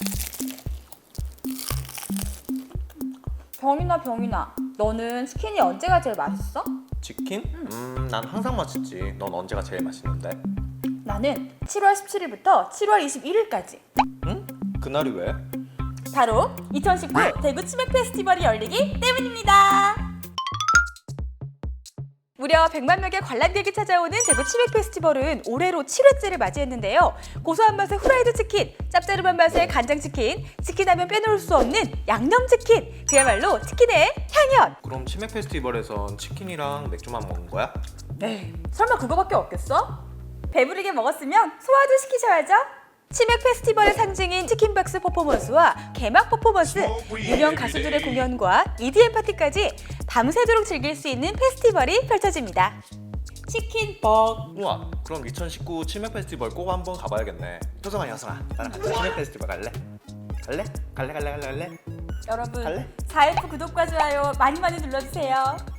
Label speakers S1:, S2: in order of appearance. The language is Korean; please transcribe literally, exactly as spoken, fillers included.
S1: 병이나 병이나, 너는 치킨이 언제가 제일 맛있어?
S2: 치킨? 음, 난 항상 맛있지. 넌 언제가 제일 맛있는데?
S1: 나는 칠월 십칠일부터 칠월 이십일일까지.
S2: 응? 그날이 왜?
S1: 바로 이천십구 대구 치맥 페스티벌이 열리기 때문입니다. 무려 백만 명의 관람객이 찾아오는 대구 치맥 페스티벌은 올해로 칠 회째를 맞이했는데요. 고소한 맛의 후라이드 치킨, 짭짤한 맛의 간장 치킨, 치킨하면 빼놓을 수 없는 양념 치킨, 그야말로 치킨의 향연.
S2: 그럼 치맥 페스티벌에선 치킨이랑 맥주만 먹는 거야?
S1: 네, 설마 그거밖에 없겠어? 배부르게 먹었으면 소화도 시키셔야죠. 치맥 페스티벌의 상징인 치킨박스 퍼포먼스와 개막 퍼포먼스, 유명 가수들의 공연과 이디엠 파티까지 밤새도록 즐길 수 있는 페스티벌이 펼쳐집니다. 치킨벅.
S2: 우와, 그럼 이천십구 치맥 페스티벌 꼭 한번 가봐야겠네. 효성아, 효성아, 나랑 같이 치맥 페스티벌 갈래? 갈래? 갈래, 갈래, 갈래, 갈래?
S1: 여러분,
S2: 갈래?
S1: 사엘프 구독과 좋아요 많이 많이 눌러주세요.